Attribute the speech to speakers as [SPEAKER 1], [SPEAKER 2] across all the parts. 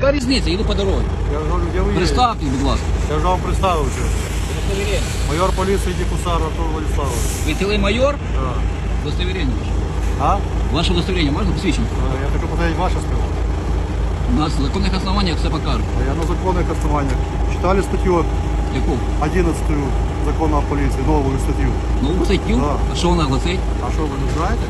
[SPEAKER 1] Яка різниця? Їду по дорозі.
[SPEAKER 2] Я ж говорю, де ви є?
[SPEAKER 1] Представте, будь ласка.
[SPEAKER 2] Я ж вам представився. Майор поліції Дікусар Артур Владиславович.
[SPEAKER 1] Ви цілий майор?
[SPEAKER 2] Так.
[SPEAKER 1] Удостоверення ваше.
[SPEAKER 2] А?
[SPEAKER 1] Ваше удостоверення можна посвідчити?
[SPEAKER 2] Я хочу посмотреть ваше сказал.
[SPEAKER 1] У нас в законних основаннях все покажуть.
[SPEAKER 2] Я на законных основаниях. Читали статью
[SPEAKER 1] Яку?
[SPEAKER 2] 11 закона о полиции, новую статью.
[SPEAKER 1] Нову статтю?
[SPEAKER 2] Да.
[SPEAKER 1] А що вона гласить?
[SPEAKER 2] А что, вы не знаете?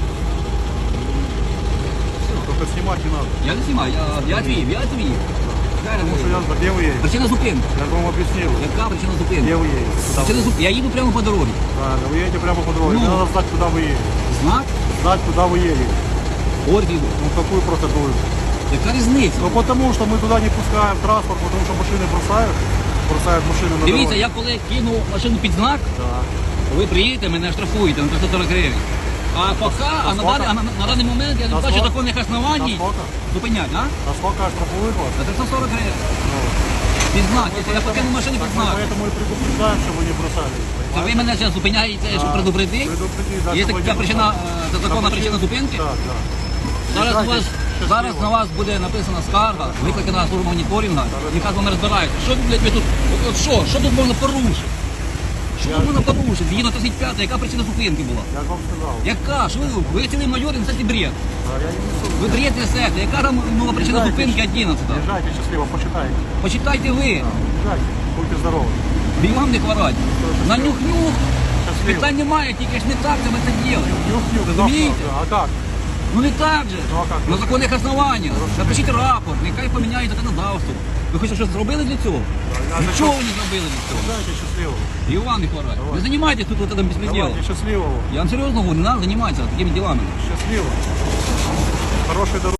[SPEAKER 2] Только снимать не надо.
[SPEAKER 1] Я не знімаю, я твій.
[SPEAKER 2] Потому что я где вы едете?
[SPEAKER 1] Причина зупинки.
[SPEAKER 2] Я же вам объяснил.
[SPEAKER 1] Яка причина зупинки?
[SPEAKER 2] Где вы едете? Куда вы?
[SPEAKER 1] Причина зупинки. Я їду прямо по дорозі.
[SPEAKER 2] Правильно, вы едете прямо по дороге.
[SPEAKER 1] Ну.
[SPEAKER 2] Мне надо знать, куда вы едете.
[SPEAKER 1] Знак?
[SPEAKER 2] Знать, куда вы едете.
[SPEAKER 1] Ордіду.
[SPEAKER 2] Ну, какую процедуру?
[SPEAKER 1] Яка різниця?
[SPEAKER 2] Ну, потому что мы туда не пускаем транспорт, потому что машины бросают машины на
[SPEAKER 1] Дивіться,
[SPEAKER 2] дороге.
[SPEAKER 1] я коли кину машину під знак,
[SPEAKER 2] Да.
[SPEAKER 1] ви приїдете, мене штрафуєте на 340 гривень. А поки, на даний момент я не
[SPEAKER 2] На
[SPEAKER 1] бачу
[SPEAKER 2] сколько?
[SPEAKER 1] законних основаній
[SPEAKER 2] На сколько?
[SPEAKER 1] зупинять, а?
[SPEAKER 2] А сколько штрафуют вас?
[SPEAKER 1] На 340 гривень.
[SPEAKER 2] Ну,
[SPEAKER 1] Під знак, якщо я покину машину під
[SPEAKER 2] мы
[SPEAKER 1] знак.
[SPEAKER 2] поэтому и предупреждаем, чтобы вы не бросали.
[SPEAKER 1] А ви мене зараз зупиняєте, щоб предупредити?
[SPEAKER 2] Предупредить, да,
[SPEAKER 1] Є
[SPEAKER 2] чтобы вы
[SPEAKER 1] така
[SPEAKER 2] не
[SPEAKER 1] причина,
[SPEAKER 2] бросали.
[SPEAKER 1] це законна
[SPEAKER 2] Да,
[SPEAKER 1] причина зупинки?
[SPEAKER 2] Так, так.
[SPEAKER 1] Зараз на вас буде написана скарга, викликана служба моніторинга, яка з вами розбирається. Що, блядь, ви тут, що тут можна порушити? Що тут можна порушити? Згідно 35, яка причина зупинки була?
[SPEAKER 2] Я ж вам сказал.
[SPEAKER 1] Яка? Що ви цілий майор і несете бред?
[SPEAKER 2] А я не несу.
[SPEAKER 1] Ви бред несете. Яка там була причина зупинки 11?
[SPEAKER 2] Езжайте счастливо, почитайте.
[SPEAKER 1] Почитайте ви.
[SPEAKER 2] Езжайте, будьте здоровы.
[SPEAKER 1] Бігам не хворать. На нюх-нюх.
[SPEAKER 2] Счастливо.
[SPEAKER 1] Питань немає, тільки ж не так ми це робимо.
[SPEAKER 2] Нюх-нюх.
[SPEAKER 1] Розумієте?
[SPEAKER 2] А как?
[SPEAKER 1] Ну не так же.
[SPEAKER 2] Ну, а как?
[SPEAKER 1] На законних основаннях. Напишіть рапорт, нехай поміняють законодавство. Ви хоч щось зробили для цього?
[SPEAKER 2] Я
[SPEAKER 1] Нічого ви не зробили для цього.
[SPEAKER 2] Езжайте счастливо.
[SPEAKER 1] І вам не хворать. Не займайтесь тут вот этим беспределом.
[SPEAKER 2] Давайте счастливого.
[SPEAKER 1] Я вам серйозно говорю, не треба займатися такими ділами.
[SPEAKER 2] Счастливо. Хорошей дороги.